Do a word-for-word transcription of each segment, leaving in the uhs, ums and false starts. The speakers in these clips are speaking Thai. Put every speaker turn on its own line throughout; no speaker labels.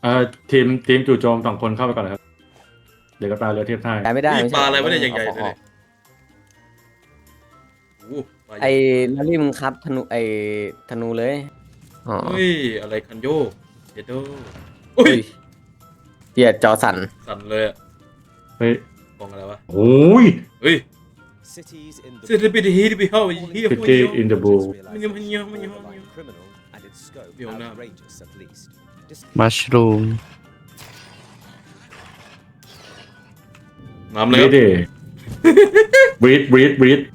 เอ่อทีมทีมจู่โจมสองคนเข้าไปก่อนเลยครับเดี๋ยวก็ตายเรือเทียบท่า
ได้ไม่ได้
นี่
ไม่
ป
ใช่
ลาอะไรวะเนี่ย
ต้
ใหญ่ๆ
อา
เลย
อ
เนี่
อย ก
โอ้โหปลาใหญ่
ไอ้ลารี่มึงครับธนูไอ้ธนูเลยอ๋อ
เฮ้ยอะไรคันโยกเดโดโอ้ย
เหี้ยจอสั่น
สั่นเลยอะ
เฮ้ย
กล่องอะไรวะ
โอ้ย
เฮ้ย
Cities in
เซเลบิดฮีดิบิเฮาเฮีย
City in the Blue
มันยังมันยังมันยัง
criminal and its scope
Biểu nam.
outrageous at least.
มัชรูม
น้ำเลย
บีดดิบีดบีดบีด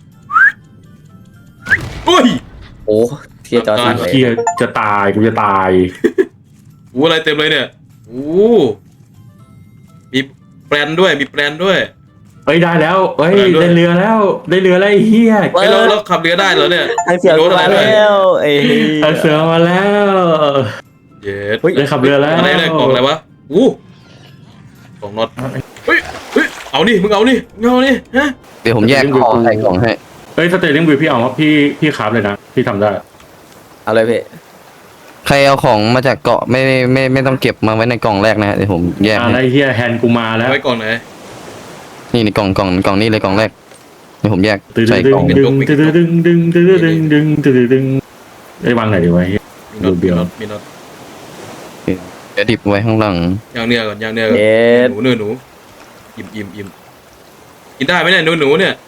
โอ้ย
โอ้เทียจอสั่นเลย
เกียจะตายกูจะตาย
โอ้อะไรเต็มเลยเนี่ยโอ้มีแปลนด้วยมีแปลนด้วย
เอ้ยได้แล้วเอ้ย
ได้ด้วย
ได้เรือแล้ว ได้เรือแล้วไอ้เฮีย
ไอ้ยเราเราขับเรือได้เหรอเนี่ย
ไอ้เสือ
โดนอะไร
มา
ด้วย
แล้วไอ้เหี้ย
เอาเสือมาแล้ว
เย็ด
ได้ขับเรือแล้ว
อะไรเนี่ยกล่องอะไรวะอู้กล่องน็อตเฮ้ยเฮ้ยเอานี่มึงเอานี่มึงเอานี่ฮะ
เดี๋ยวผมแยกของใส่กล่องให้
เอ้ยสเตลิ่งบิวพี่เอาว่าพี่พี่คราฟเลยนะพี่ทำได้
เอาเลยพี่
ใครเอาของมาจากเกาะไม่ไม่ไม่ไม่ต้องเก็บมาไว้ในกล่องแรกนะฮะเดี๋ยวผมแยก
อ่า
ให้
ไอ้เฮียแฮนด์กูมาแล้ว
ไว้กล่องไหน
นี่ในกล่องกล่องกล่องนี้เลยกล่องแรกเดี๋ยวผมแยก
ตึ้ง
ใส่
ดึ
กล่
ง
อง
ดึงดึงดึงดึงดึงดึงดึงดึงดึงดึงไอ้ยวางไหนดีวะเฮีย
มีน็อต
เบี
มี
ยว
น็อตมีน็อต
เดี๋ยวดิบไว้ข้างหลัง
ย่างเนื้อก่อนย่างเนื้อก่อน
เย็ด
หนูเนื้อหนูอิ่มอิ่มอิ่มกินได้ไหมเนี่ยหนูหนูเนี่ย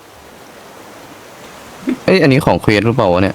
เอ้ยอันนี้ของเควสหรือเปล่าวะเนี่ย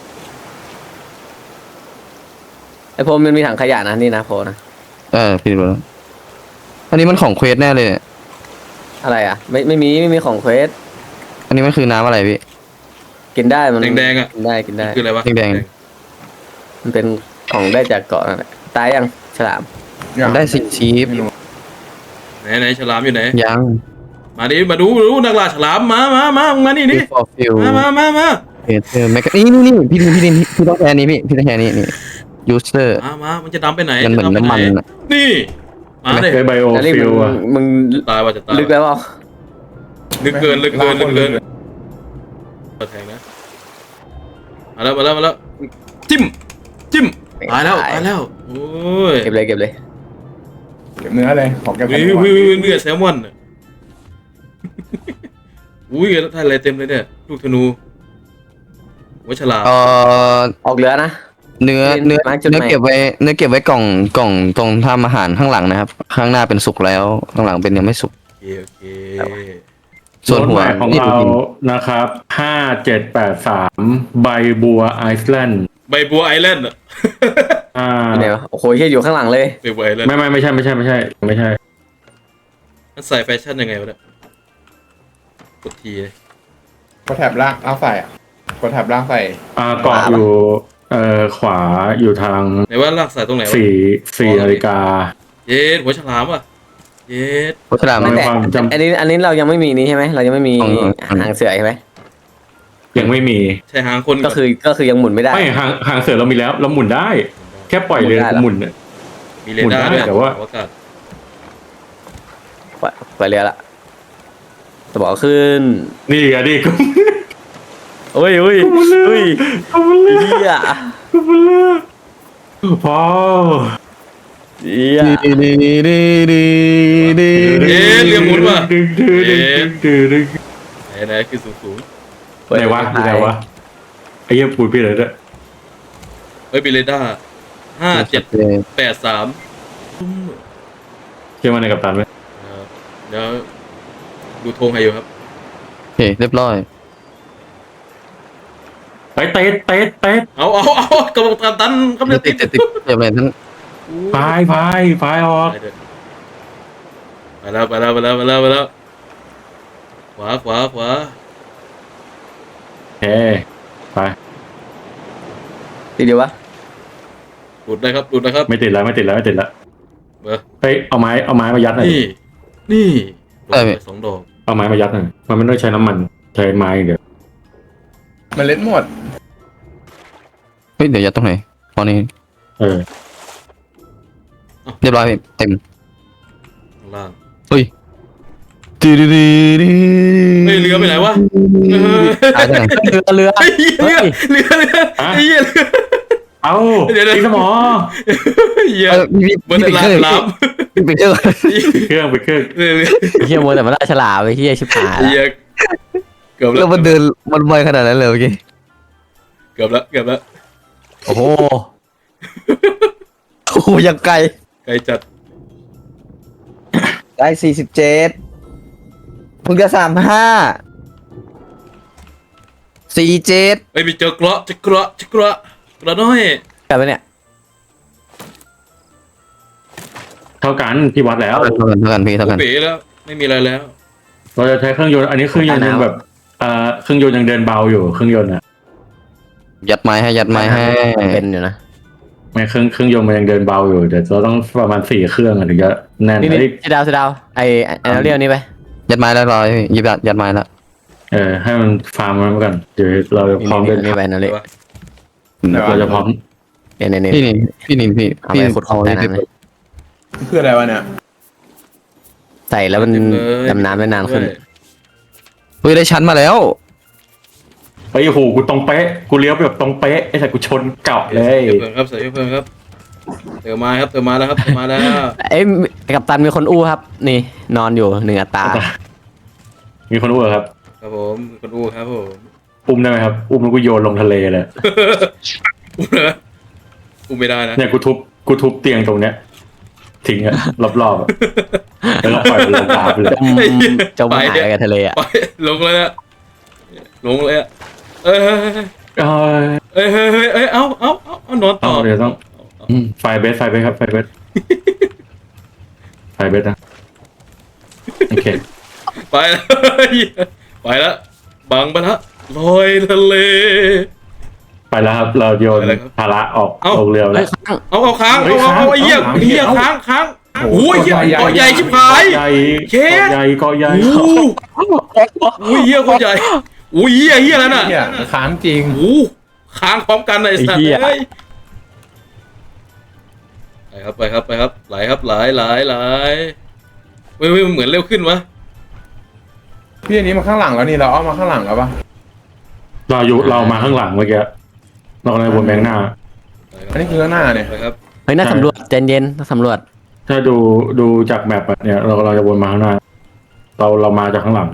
ไอ้พรมมันมีถังขยะนะนี่นะโพนะ
เออพี่ดูแล้วอันนี้มันของเควสแน่เลยเนี่ย
อะไรอ่ะไม่ไม่มีไม่มีของเควส
อันนี้มันคือน้ำอะไรพี่
กินได้มัน
แดงๆอ่ะ
กินได้กินได้
คืออะไรวะ
แดง
มันเป็นของได้จากเกาะนั่นแหละตายยังฉลาม
ได้สิชีฟ
ไหนไหนฉลามอยู่ไหน
ยัง
มาดิมาดูดูนักล่าฉลามมามามามึงมานี่นี่
ฟอร์ฟิล
มามามามา
เอเธอร์แมกนี่นี่นี่พี่ดินพี่ดินพี่ต้องแทนนี้พี่พี่ต้องแทนนี้นี่ยูสเตอร์
มามามันจะดำไปไหน
มันเหมือน
จะดำไป
น้ำมัน
ไห
อะ
นี่มาเลย
ไอ้ไบโอ
ลารี่
ฟิ
มึ
ล
ง
อะ
มึง
ตายว่าจะตาย
ลึกแล้วเปล่า
ลึกเกินลึกเกินลึกเกินมาแทงนะมาแล้วมาแล้วมาแล้วจิ้มจิ้มตายแล้วตายแล้วโอ้ย
เก็บเลยเก็บเลย
เก็บเนื้อเลยของเก็บ
วิ
เนื้
ว
อ
วิวเนื้อแซลมอนน่ะอุ้ยท่านอะไรเต็มเลยเนี่ยลูกธนูหัวฉลาม
เอ่อ
ออกเรือนะ
เนื้อเนื้อ
มาร์คจุด
เนื้อ
ไหน
เก็บไว้เนื้อเก็บไว้กล่องกล่องตรงทำอาหารข้างหลังนะครับ ข้างหน้าเป็นสุกแล้วข้างหลังเป็นยังไม่สุก
โอเคโอเค
ส่วนหัว
โน้ตหมายของ
นี่
เรานะครับห้าเจ็ดแปดสามใบบัวไอซ์แลนด์
ใบบัวไอแลนด์อะ
อ่า
อยู่ไหนวะโอ้โหเฮียอยู่ข้างหลังเลย
ใบบัวไอแลนด์
ไม่ไม่ไม่ใช่ไม่ใช่ไม่ใช่ไม่ใช่
มันใส่แฟชั่นยังไงวะเนี่ยกดทีเลย
กดแถบล่างล่างใส่อะกดแถบล่างใส่
อ่าเกาะอยู่เอ่อขวาอยู่ทาง
ไหนว่าลากสายตรงไหนวะ
สี่สี่นาฬิกา
เย็ดหัวฉลามอ่ะเย็ด
โฆษณา
ไม่
ไม่
แต่ ความจำ
อันนี้อันนี้เรายังไม่มีนี่ใช่ไหมเรายังไม่มี
ของของ
หางเสือใช่ไหม
ยังไม่มี
ใช่หางคน
ก็คือก็คือยังหมุนไม่ได้
ไม่หางหางเสือเรามีแล้ว เราหมุนได้ แค่ปล่อยเรือ
หมุนได้เหรอ
หมุนเนี่ย
มีเรดาร์ด้วย
หมุนได้แต่ว่า
อากาศ
ปล่อยปล่อยเรือละจะบอกขึ้น
นี่อะดิกู
โอ้ยโอ้ยโอ้ย
กูมาเลือก
เฮีย
กูมาเลือกพอ
เฮีย
ดีดีดีดีดี
เย็ดเรือหมุนว่ะ
ดึงดึงดึงดึงดึง
ไหนไหนคือสูงสูง
ไหนวะอยู่ไหนวะไอ้เหี้ยปูดพี่เลยด้วย
เฮ้ยมีเรดาร์ห้าเจ็ดแปดสาม
เชื่อมันในกัปตันไหม
เดี๋ยวดูธงให้อยู่ครับ
โอเคเรียบร้อย
ไปเตะเตะเตะ
เอาเอาเอากระบอกตันตันกำลัง
ติ
ติ
ด
ด
ติดติดเรียบร้อยทั้ง
พายพายพายออก
ไปเถอะไปแล้วไปแล้วไปแล้วไปแล้วไปแล้วขวาขวาขวา
เฮ้ไป
ทีเดียววะ
ดูดได้ครับดูดนะครับ
ไม่ติดแล้วไม่ติดแล้วไม่ติดแล้ว
เบอร์
เฮ้ยเอาไม้เอาไม้มายัดหน่อย
นี่นี่โดนไปสองดอก
เอาไม้มายัดหน่อยมันไม่ต้องใช้น้ำมันใช้ไม้อย่างเดียว
มันเล็ดหมด
เฮ้ยเดี๋ยวยัดตรงไหนพอนี้
เออ
เรียบร้อยพี่เต็ม
ข้างล่าง
เฮ้ยดีดีดีดี
เฮ้ยเรือไปไหนวะ
หายไปไหน
เรือเรือ
เฮ้ยเรือเรือเรือไอ้เหี้ยเรือ
เอา
เดี๋ยวๆ
ตีสมอ
เหี้ย
เออพี่พี่
เบอร์
พี่
ลา
เคย
ลาม
ไปเครื่อง
เครื่องไปเครื่อง
เออ
เฮียโมแต่มันล่าฉลามไปเฮียชิบหาย
เหี้ยเกือบแล้
แล้ว วมันเดินมันไวขนาดนั้นเลยเมื่อกี้
เกือบแล้วเกือบแล้ว
โอ้โห
โอ้โหยังไกล
ไกลจัด
ได้สี่สิบเจ็ดมึงจะสามห้าสี่เจ็ด
เอ้ยมีเจอเกราะเจอเกราะเจอเกราะเกราะน้อย
กลับไปเนี่ย
เท่ากันที่วัดแล้ว
เท่ากันเท่ากันพี่เท่ากัน
เป๋แล้วไม่มีอะไรแล้ว
เราจะใช้เครื่องยนต์อันนี้เครื่องยนต์ยังแบบเอ่อเครื่องยนต์ยังเดินเบาอยู่เครื่องยนต์อ่ะ
ยัดไม้ให้ยัดไม้ให้
เป็นอยู่นะ
ไม่เครื่องเครื่องยนต์มันยังเดินเบาอยู่เดี๋ยวเราต้องประมาณสี่เครื่องอะถึงจะแน่น
นี่นี่
เอ้ย
สีดาวสีดาวไอไอเรียกนี้ไป
ยัดไม้แล้วรอยยิบยัดยัดไม้แล้ว
เออให้มันฟาร์มมันมาก่อนเดี๋ยวเราจะพร้อมเดิน
นี่ไปนั่นเลย
เราจะพร้อม
เนี่ยเนี่ย
พี่นินพี่นินพี่
เอาไปขุดของใต้น้ำเลย
คืออะไรวะเนี่ย
ใส่แล้วมัน
เต็มเลย
ดำน้ำได้นานขึ้น
ด้วย
เฮ้ยได้ชั้นมาแล้ว
ไปโอ้โหกูตรงเป๊ะกูเลี้ยวไปแบบตรงเป๊ะไอ้แต่กูชนเก่าเลย
เพิ่มครับใส่เพิ่มครับเติมมาครับเติมมาแล้วครับเติมมาแล้ว
เอ้ยกับตันมีคนอู้ครับ นี่นอนอยู่หนึ่งอัตรา
มีคนรู้เหรอครับ
ครับผมคนอู้ครับผม
อุ้มได้ไหมครับอุ้มแล้วกูโยนลงทะเลเลย
อู้นะอู้ไม่ได้นะ
เนี่ยกูทุบกูทุบเตียงตรงเนี้ยทิ้งอะรอบๆอะแล้วก็ปล่อยมันลงน้ำไปเลย
จมจมหายไปกับทะเลอ่ะ
ไปลงเลยอะลงเลยอะเอ้ย
เอ้ย
เอ้ยเฮ้ยเฮ้ยเอ้ยเอาเอาเอาเอานอนต่
ต้อ
อง
เดี๋ยวต้องอืมไฟเบสไฟเบสครับไฟเบสไฟเบสนะโอเค
ไปแล้วไปแล้วบังไปแล้วลอยทะเล
ไปแล้วครับเราโยน
ไปแล้วครับ
ภาระออก
เอ้า
ลงเรือ
เฮ้
แล้
ยว ค้าง
เอาเอาค้าง
เฮ้
เอา
ย
เอาเอา
ค้าง
ไอ้เหี้ย
เอา
ไอ้เหี้ย
เอา
ค้างค้างโอ้ยเหี้ย
ใหญ่
เกาะใหญ่ชิบหาย
ใหญ่
เชฟ
เกาะใหญ่เกาะใหญ่
โอ้โหโอ้ยเหี้ยโคตรใหญ่โอ้ยเหี้ยเหี้ยแล้วน่ะ
เนี่ยค้างจริง
โอ้โหค้างพร้อมกันไอ้สัตว์เอ้ยไปครับไปครับไปครับไหลครับไหลไหลไหลเว้ยเว้ยมันเหมือนเร็วขึ้นวะ
พี่อันนี้มาข้างหลังแล้วนี่เราเอามาข้างหลังแล้วปะ
เราอยู่เรามาข้างหลังเมื่อกี้เรากำลังวนแบงหน้า
ไปครับ
อันนี้คือข้างหน้าเนี่ย
ไปครับ
เฮ้ยน่าสำรวจใจเย็นน่าสำรวจ
ถ้าดูดูจากแมปอะเนี่ยเราเราจะวนมาข้างหน้า เราเรามาจากข้างหลัง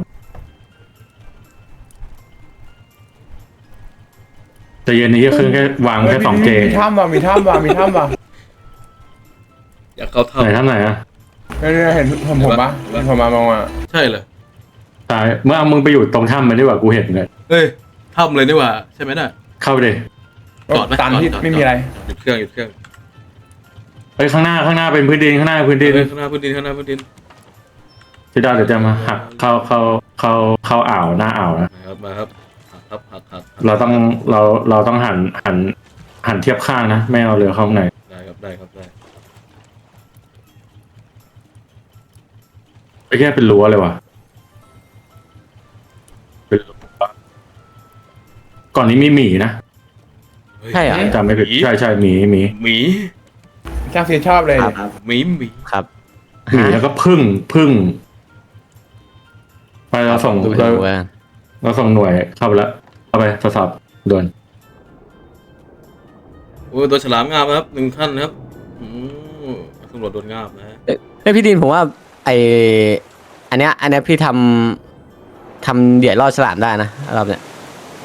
แต่เย็นนี้ก็คือแค่วางแค่สองเจ
มีถ้ำว่ะมีถ้ำว่ะมีถ้ำว่ะ
อยากเข้า
ไหน
ถ้ำ
ท่านไหนอะ
เนี่ยเห็นผมผมปะเห็นผมมามองอ่ะ
ใช่เหรอ
ตายเมื่อมึงไปอยู่ตรงถ้ำมันดีกว่ากูเห็นเลย
เฮ้ยถ้ำเลยนี่หว่าใช่ไหมน่ะ
เข้าไปดิ
จอดไหม
ตันที่
จอดจอด
ไม่มีอะไร
หยุดเครื่องหยุดเครื่อง
เอ้ยข้างหน้าข้างหน้าเป็นพื้นดินข้างหน้าพื้นดิน
เฮ้ยข้างหน้าพื้นดินข้างหน้าพื้นดิน
พี่ดาวเดี๋ยวจะมาหักเข้าเข้าเข้าเข้าอ่าวหน้าอ่าวนะ
มาครับมาครับหักครับหักหักหัก
เราต้องเราเราต้องหันหันหันเทียบข้างนะไม่เอาเรือเข้าข้างใน
ได้ครับได้ครับได้
ไอ้แค่เป็นรั้วเลยว่ะเป็นรั้วก่อนนี้มีหมีนะ
เฮ้ย
ใช่เหรอ
จำไม่ผิดใช่ใช่หมีหมี
หมี
ช่างเสียชอบเลย
ครับ
หมีหมี
ครับ
หมีแล้วก็พึ่งพึ่งไปเราส่ง
ดู
เรา
ดูกัน
เราส่งหน่วยเข้าไปแล้วเข้าไปทดสอบด่วน
โอ้ยตัวฉลามงามนะครับหนึ่งขั้นนะครับอืมตำรวจโดนงาบนะฮะ
เฮ้ยพี่ดินผมว่าไออันเนี้ยอันเนี้ยพี่ทำทำเดี่ยวล่อฉลามได้นะรอบเนี้ย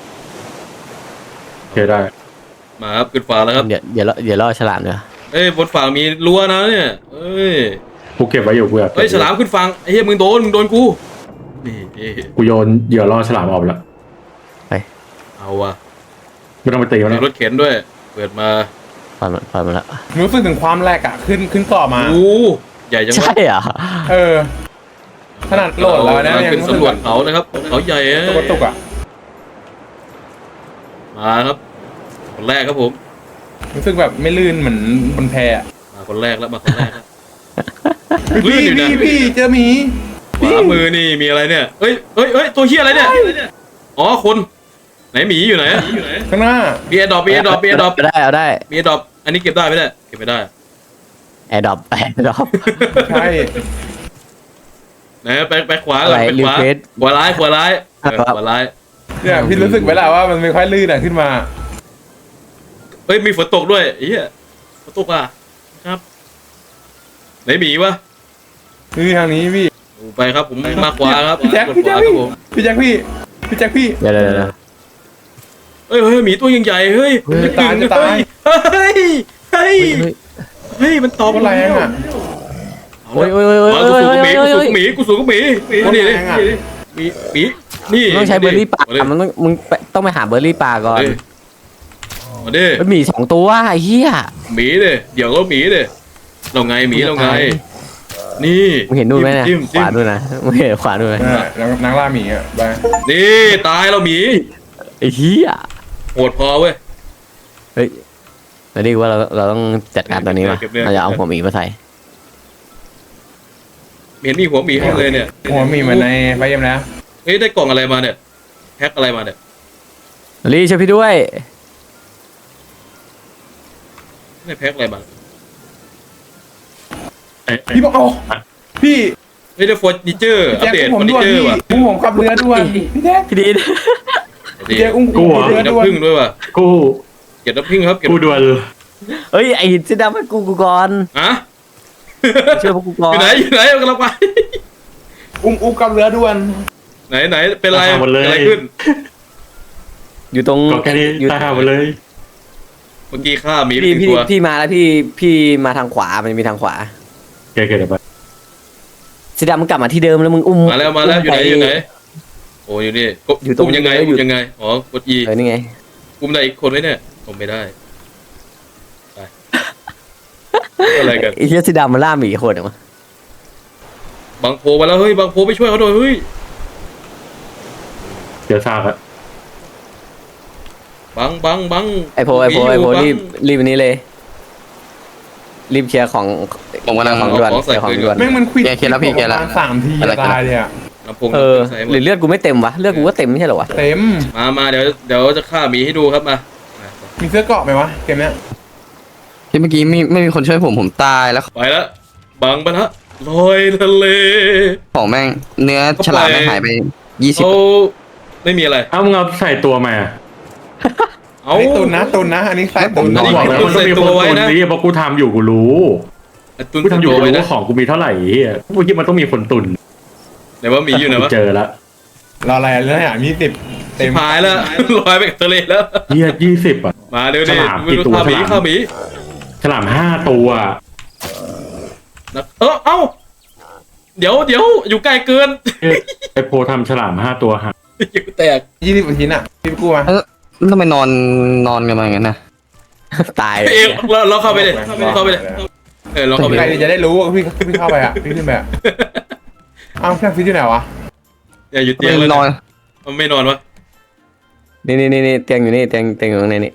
โอเคได้
มาครับขึ้นฟ้าแล้วครับ
เดี๋ยวเดี๋ยวล่อเดี๋ยวล่อฉลามเดี๋ยว
เอ้ยบนฝั่งมีรั้วนะเนี่ยเอ้ย
กูเก็บไว้อยู่กูอยากก็บ
เฮ้ยฉลามขึ้นฝั่งไอ้เหี้ยมึงโดนมึงโดนกูนี่เอ้ย
กูโยนเหยื่อล่อฉลามออกไปแล้ว
เอาว่ะ
ไม่ต้องไปตีมัน
มี
แล้ว
รถเข็นด้วยเปิดมา
ปล่อยมันปล่อยมันแล้ว
รู้สึกถึงความแรกอ่ะขึ้นขึ้นเกาะมา
โอ้ใหญ่จังวะ
ใช่เหรอ
เออ ขนาดโหลดแล้วนะ
เรา
ยัง
ขึ้นสำรวจเขานะครับเขาใหญ่เอ้ย
ตัวกระตุกอ่ะ
มาครับ คนแรกครับผม
รู้สึกแบบไม่ลื่นเหมือนบนแพอ่ะ
มาคนแรกแล้วมาคนแรกแล้ว ลื่
พี่
นอยู่นะ
พี่พี่เจอหมี
ขวามือนี่มีอะไรเนี่ยเอ้ยเอ้ยเอ้ยตัวเฮียอะไรเนี่ยอ๋อคนไหนหมีอยู่ไหน
ข้างหน้า
มีแอร์ดรอปมีแอร์ดรอปมีแอร์ดรอป
เอาได้เอาได้
มีแอร์ดรอปอันนี้เก็บได้ไหมเนี่ยเก็บไม่ได้
แอร์ดรอปแอร์ดรอป
ใช่
ไหนไปไปขวาก่อน
อะไร
ไปขวา
request
ขวาร้ายขวาร้ายเออ
ครับ
ขวาร้าย
เนี่ยพี่รู้สึกไหมล่ะว่ามันไม่ค่อยลื่นอ่ะขึ้นมา
เอ้ยมีฝนตกด้วยไอ้เหี้ยฝนตกอ่ะครับไหนหมีวะ
นี่ทางนี้พี่
ไปครับผมมาขวาครับ
พี่แจ็ค
กด
พี่
ข
แจ็คว
าครั
พี่
บผม
พี่แจ็คพี่พี่แจ็คพี่
เดี๋ยวเดี๋ยวเดี๋ยว
เฮ้ยเฮ้ยหมีตัวยังใหญ่เฮ้ย
จะตายจะตาย
เฮ้ยเฮ้ย
เฮ้ย
เฮ้ยมันตอบ
โคตรแรงอ่ะ
เอา
โอ้ย
ละ
โอ้ยโอ้ยโอ้ย
มา
โอ้
กู
ย
สูง
โอ้ย
กับหมีกูสูงกับหมีกูสูงกับหมีนี่นี่
โคตรแรงอะ
หมีหมีนี่
มึงต้องใช้เบอร์รี่ป่า
มาดิ
มันต้องมึงไปต้องไปหาเบอร์รี่ป่าก่อน
มาดิ
มันมีสองตัวไอ้เหี้ย
หมีดิเดี๋ยวก็หมีดิเราไงหมีเราไงนี่
มึงเห็นนู่นไหมเนี่ย
จิ้ม
ข
จิ้ม
วานู่นนะมึงเห็นขวานู่นไหม
นั่นแหละแล้วนักล่าหมีอ่ะไป
นี่ตายแล้วหมี
ไอ้เหี้ย
โหดพอเว้ย
เฮ้ยแล้วนี่ว่าเราเราต้องจัดการตัวนี้มา
เก็บเนื้อ
เราจะเอาหัวหมีมาใส่
เห็นมีหัวหมีให้เลยเนี่ย
หัวหมีเหมือนในไฟเอ็มแล้ว
เฮ้ยได้กล่องอะไรมาเนี่ยแพ็คอะไรมาเนี่ย
รีช่วยพี่ด้วย
ได้แพ็คอะไรมา
ไอ้ไอ้
พี่บอกเอาพี่
เฮ้ยได้ฟอร์นิเจอร์
พี่
อัป
แจ็ค
เดต
อุ้
ฟ
ม
อ
ผม
ร์นิ
ด่วน
เจอ
พี่
ร์ว่ะ
อุ้มผมขับเรือด่วนพี่แจ็ค
พี่ดีน
พี่แจ็คอุ้ม
กู
ขับ
เหรอ
เรือ
เก็บ
ด่วน
น้ำผึ้งด้วยว่ะ
กู
เก็บน้ำผึ้งครับเก็บ
กูด่วน
เฮ้ยไอ้หินสีดำให้กูกูก่อน
อะ
ช่วยพวกกูก่อ
อน ยู่ไหนอยู่ไหนกำลังไป
อุ้มอุ้มขับเรือด่วน
ไหนไหนเป็นไร
ตายหมดเลย
เกิดอะไรขึ้น
อยู่ตรง
ก็แค่นี้
อยู่
ตายหาหมดเลย
เมื่อกี้ฆ่าหมีไป
พี่
กี่
พี่
ตัว
พี่มาแล้วพี่พี่มาทางขวามันจะมีทางขวา
แกเกิดอะไร
สีดำมึงกลับมาที่เดิมแล้วมึงอุ้ม
มาแล้วมาแล้วอยู่ไหน
ป
อยู่ไหนโอ้อยู่นี่กด
อยู่ตรง
ปุ่มยังไง
อยู่
ปุ่มยังไงอ๋อกด E
เออนี่ไง
ปุ่มไหนอีกคนไว้เนี่ยผมไม่ได้ไปอะไรกัน
ไอ้เหี้ยสีดำมันล่าหมีโคตรเหรอวะ
บางโพมาแล้วเฮ้ยบางโพไปช่วยเขาหน่อยเฮ้ย
เดี๋ยวซากอะ
บังบังบัง
ไอโพไอโพไอโพ
บัง
รีบรีบอันนี้เลย รีบเคลียร์ของ
ผมกำลัง
ของด่วนเคลียร์ของด่วน
แม่งมันควิด
แกเคลียร์แล้วพี่เคลียร์แล้ว
ประมาณสามที
อะไร
จะตายเลยอ่ะ
ลำโพง
เออ
ใส่หม
หรือ
ด
เลือดกูไม่เต็มวะเลือดกูก็เต็มไม่ใช่เหรอวะ
เต็ม
มามาเดี๋ยวเดี๋ยวจะฆ่าหมีให้ดูครับมามา
มีเสื้อเกราะไหมวะเกมเนี้ย
ที่เมื่อกี้ไม่ไม่มีคนช่วยผมผมตายแล้ว
ไปแล้วบังไปแล้วลอยทะเล
ของแม่งเนื้อฉลามแม่งหายไปยี่สิบ
เขาไม่มีอะไร
เอ้ามึงเอาใส่ตัวมา
เอา
อันนี้ตุนนะตุนนะอันนี้ใส่ตุน
อันนี้
บอกแล้วมันต้องมีคนตุนนี่เพราะกูทำอยู่กูรู้
ตุน
กูทำอยู่
ตัว
กู
ไว้
รู้
นะ
ว่าของกูมีเท่าไหร่เฮียกูคิดมันต้องมีคนตุน
ไหนว่าหมีอยู่ไหนวะ
เจอแล้ว
รออะไรเรื่องอ่ะมีสิบเต็
ชิ
ม
บหายแล้วลอยไปกับทะเลแล้ว
เฮียยี่สิบอ่ะ
มาเดี๋ยวดิ
ฉลาม
ไม่รู้
กี่ตัว
ฆ่าหมี
ฉลาม
ฆ่าหมี
ฉลามห้าตัว
นะเออเอ้าเดี๋ยวเดี๋ยวอยู่ไกลเกิน
เอ้ยไอโพทำฉลามห้าตัวหัก
อยู่แตก
ยี่สิบกว่าชิ้นอ่ะพี่กู้มา
เออทำไมนอนนอนกันมาอย่างนั้นนะ
ตาย
เองเราเราเข้าไปเลยเราเข้าไปเลยเออเราเข้าไป
ใคร
เลย
จะได้รู้ว่าพี่พี่เข้าไปอ่ะพี่ขึ้นไปอ่ะเอ้าแค่ฟิตอยู่ไหนวะ
อย่าอยู่
ทำ
เตีย
ไม
งเลย
นอน
มันไม่นอนวะ
นี่นี่นี่นี่เตียงอยู่นี่เตียงเตียงอยู่ตรงนี้นี่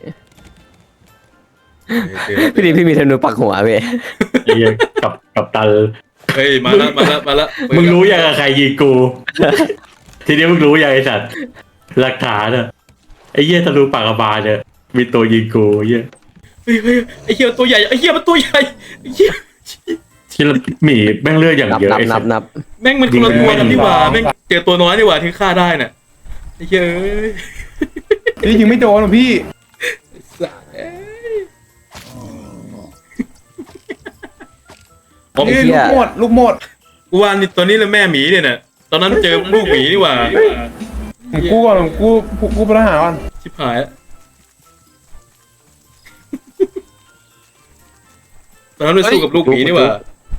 พี่ดีพี่มีธนูปักหัวพี่
ไอ้เฮียกับกับตัน
เฮ้ยมาแล้วมาแล้วมาแล้ว
มึงรู้ยังกับใครยิงกู ทีนี้มึงรู้ยังไอสัตว์หลักฐานอะไอ้เหี้ยทะลุปากกระบาลเนี่ยมีตัวยิงกูเหี้ย
เฮ้ยเฮ้ยไอ้เหี้ยตัวใหญ่ไอ้เหี้ยมันตัวใหญ่ไอ้เหี้ย
ที่หมีแม่งเลือดอย่าง
นับ
เยอะ
นับ
ไอ้
นั
สั
บ
ตว์
นับ
แม่งมันคนละตัวกันนี่หว่าแม่งเจอตัวน้อยนี่หว่าที่ฆ่าได้น่ะไอ้เหี้ยเอ้ย
พี่ยิงไม่โดนหรอพี่
สัสเอ้ยผม
นี่ลูกหมดลูกหมด
กูว่านี่ตัวนี้เลยแม่หมีเนี่ยน่ะตอนนั้นเจอลูกหมีนี่หว่า
ผมกู้ก่อนผมกู้กู้พลทหารก่อน
ชิบหายแล้วตอนนั้นไปสู้กับลูกหมีนี่หว่า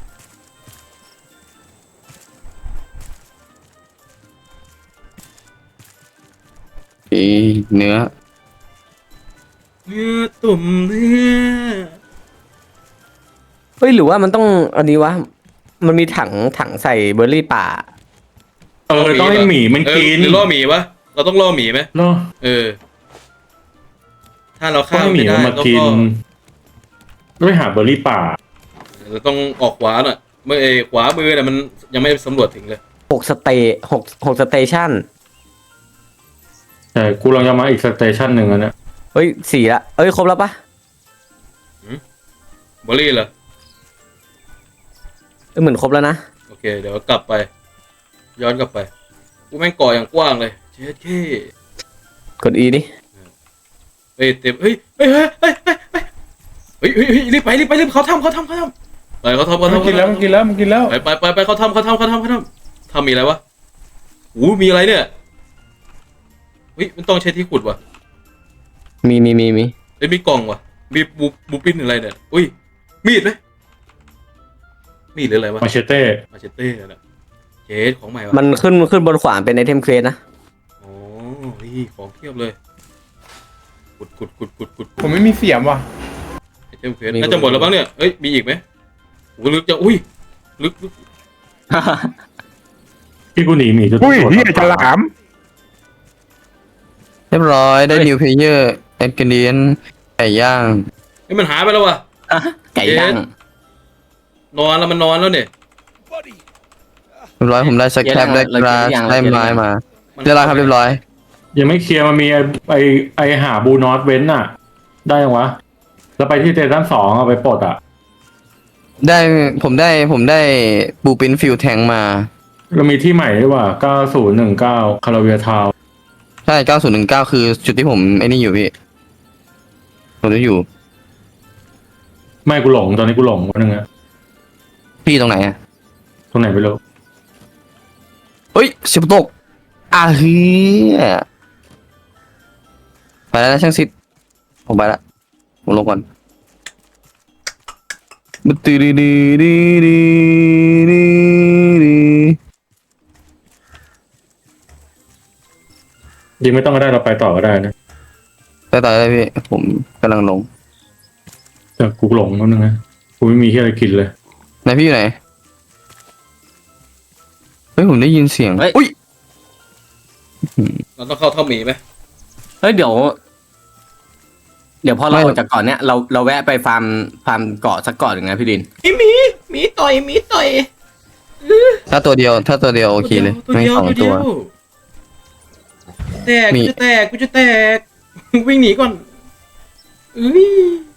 อีเนื้อ
เนื้อตุ่มเนื้อ
เฮ้ยหรือว่ามันต้องอันนี้วะมันมีถังถังใส่เบอร์รี่ป่า
เออต้องให้หมีมันกิน
เออหรือล่อหมีปะเราต้องล่อหมีไหม
เนาะ
เออ ถ้าเรา
ต้อ
ฆ่าง
ให้หมี
ไม่ได้
มันมา
เรา
กิน
ก็
ต้องไปหาเบอร์รี่ป่า
เราต้องออกขวาหน่อยเมื่อเออขวามือเนี่ยมันยังไม่สำรวจถึงเลย
หกสเตย์หกหกสเตชัน
แต่กูลองจะมาอีกสเตชันหนึ่งแล้วเนี่ย
เฮ้ยสี่ละเอ้ยครบแล้วปะ
บอลลี่เหรอ
เออเหมือนครบแล้วนะ
โอเค เดี๋ยวกลับไป ย้อนกลับไปกูแม่งก่ออย่างกว้างเลยเจ๊เท่
กด E นี่
เฮ้ยเต็มเฮ้ยเฮ้ยเฮ้ยเฮ้ยเฮ้ยเฮ้ยเฮ้ยเฮ้ยรีบไปรีบไปรีบเขาทำเขาทำเขาทไปเขาทำเขา
มัน
ทำ
กินแล้วมันกินแล้วมันกินแล้ว
ไปไปไปไปเขาทำเขาทำเขาทำเขาทำทำมีอะไรวะโอ้มีอะไรเนี่ยเฮ้ยมันต้องใช้ที่ขุดวะ
มีมีมีมี
เอ้ยมีกล่องวะมีบูบูปิ้นอะไรเนี่ยอุ้ยมีดไหมมีดหรืออะไรวะ
มาเชเต้
มาเชเต้นะเจดของใหม่วะ
มันขึ้นขึ้นบนขวานเป็นไอเทมเควสนะ
โอ้นี่ของเทียบเลยขุดขุดขุดขุดขุด
ผมไม่มีเสียมว่ะ
ไอเทมเควสน่าจะหมดแล้วบ้างเนี่ยเอ้ยมีอีกไหมโอ้ลึกจะอุ้ยลึกลึก
ที่กูหนีหมีจะ
อุ้ยเฮียฉลาม
เรียบร้อยได้นิวเพลเยอร์แอนกิเดียนไก่ย่าง
เฮ้ยมันหายไปแล้ววะ
ไก่ย่าง
นอนแล้วมันนอนแล้วเนี่ย
เรียบร้อยผมได้สแครปได้กราสได้ไม้มาเรียบร้อยครับเรียบร้อย
ยังไม่เคลียร์มันมีไอไอไอหาบูนอตเว้นอ่ะ ได้ยังวะแล้วไปที่เตตันสองเอาไปปลดอ่ะ
ได้ผมได้ผมได้บูปินฟิลแทงมา
เรามีที่ใหม่ด้วยว่ะเก้าศูนย์หนึ่งเก้าคาราเวียทาว
ใช่เก้าศูนย์หนึ่งเก้าคือจุดที่ผมไอ้นี่อยู่พี่ผมจะอยู่
ไม่กูหลงตอนนี้กูหลงวันนึงอะ
พี่ตรงไหนอะ
ตรงไหนไม่รู้
เฮ้ยเสียบตกอ่ะเฮียไปแล้วนะช่างซิดผมไปละผมลงก่อนบึ้ดดีดีดีดีดีดี
ยิงไม่ต้องก็ได้เราไปต่อก็ได้นะ
ไปต่อเลยพี่ผมกำลังลง
แต่กูหลงวันนึงนะกูไม่มีที่อะไรกินเลย
ไหนพี่อยู่ไหนเฮ้ยผมได้ยินเสียง
เฮ้ย
อุ้ย
เราต้องเข้าถ้ำหมีไหม
เฮ้ยเดี๋ยว เดี๋ยวพอเราออกจากเกาะเนี้ยเราเราแวะไปฟาร์มฟาร์มเกาะสักเกาะหนึ่งนะพี่ดิน
หมีหมีหมีต่อยหมีต่อย
ถ้าตัวเดียวถ้าตัวเดียวโอเคเลย
ตัว
ไม่
เดียว
สอง
ตัว
ตั
เดี
ว
ยวแตก
มี
กูจะแตกกูจะแตก วิ่งหนีก่อนอุ้ย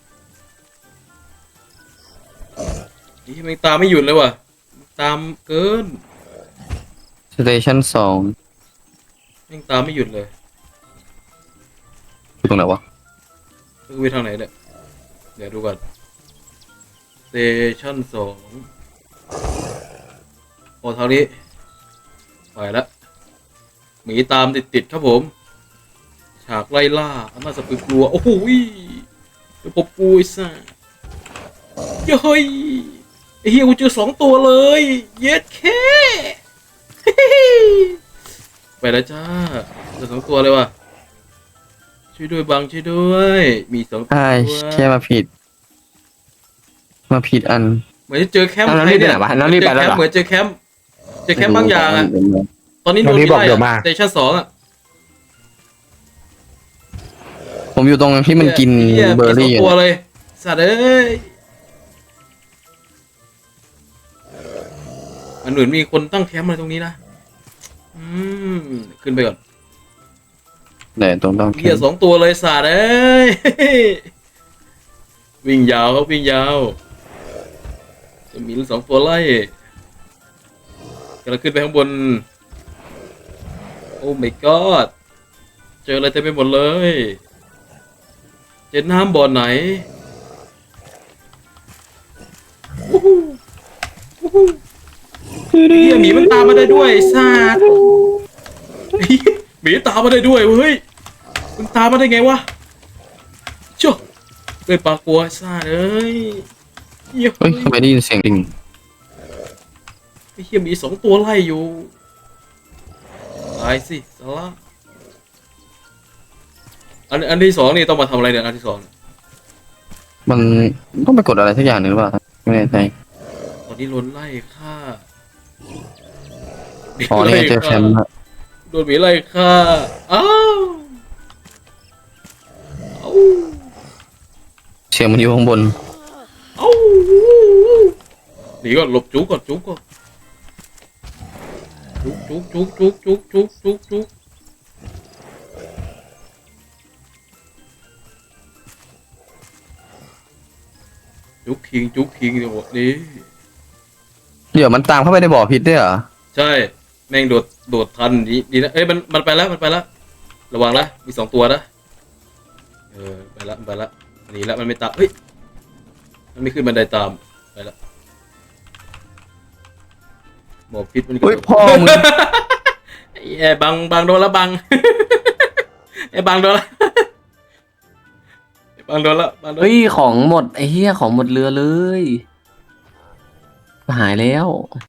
นี่มันตามไม่หยุดเลยว่ะตามเกิน
สเตชันสอง
ยังตามไม่หยุดเลย
อยู่ตรงไหนวะ
คือไปทางไหนเนี่ยเดี๋ยวดูก่อนสเตชั่นสองโอ้ทางนี้ไปแล้วหมีตามติดๆครับผมฉากไล่ล่าอันน่าสะพรึงกลัวโอ้โหเดี๋ยวพบกูไอ้สัสเฮ้ยไอ้เฮียกูเจอสองตัวเลยเย็ดแค่ไปแล้วจ้าเจอสองตัวเลยว่ะช่วยด้วยบังช่วยด้วยมีสองตัว
ใช่แค่มาผิด มาผิดอัน
เหมือนจะเจอแคมป์
เอาแล้ว
ใคร
รีบไป
เนี่ย
ไหนวะแล้วรีบไปแล้วเหรอ
เหมือนเจอแคมป์เจอแคมป์บางอย่างอ่ะตอนนี้โดนมีไล่สเตชั่นสองอ่ะ
ผมอยู่ตรงที่มันกิน
หี้ย
เบอร์รี่
มีส
อ
อง
ยู่
ตัวเลยสัตว์เอ้ยมันเหมือนมีคนตั้งแคมป์อะไรตรงนี้นะอืมขึ้นไปก่อน
เดี๋ยวตรงต้อง
เหี้ยสองตัวเลยสัตว์เอ้ยวิ่งยาวครับวิ่งยาวจะมีสองตัวไล่กำลังขึ้นไปข้างบนโอ้ my god เจออะไรเต็มไปหมดเลยเจอน้ำบ่อไหนวู้ฮู้วู้ฮู้เฮียหมีมันตามมาได้ด้วยไอ้สัตว์หมีตามมาได้ด้วยเว้ยมันตามมาได้ไงวะโจ้เป็นปลากลัวไอ้สัตว์เอ้ยเฮีย
เฮ้ยทำไมได้ยินเสียงดิ่ง
ไอ้เฮียหมีสองตัวไล่อยู่ตายสิสาระอันอันที่สองนี่ต้องมาทำอะไรเนี่ยอันที่สอง
มันต้องไปกดอะไรสักอย่างหนึ่งหรือเปล่าไม่แน่ใจ
ตอนนี้โดนไล่ฆ่า
อ๋อนี่ไงเจอแคมป์ละ
โดนหมีไล่ฆ่าอ้าวอ้าว
เสียงมันอยู่ข้างบน
อ้าวหนีก่อนหลบจุกก่อนจุกก่อนจุกจุกจุกจุกจุกจุกจุกจุกจุกคิงจุกคิงเดี๋ยวบอกนี้
เดี๋ยวมันตามเข้าไปในบ่อพิษด้วยเหรอ
ใช่แม่งโดดโดดทันดีดีนะเอ้ยมันมันไปแล้วมันไปแล้วระวังนะมีสองตัวนะเออไปละมันไปละหนีละมันไม่ตามเฮ้ยมันไม่ขึ้นบันไดตามไปละหมอพิษมัน
เฮ้ยพ่อมึง
ไอ้บังบังโดนละบัง ไอ้บังโดนละไอ้บังโดนละบังโดน
เฮ้ยของหมดไอ้เหี้ยของหมดเรือเลยหายแล้ว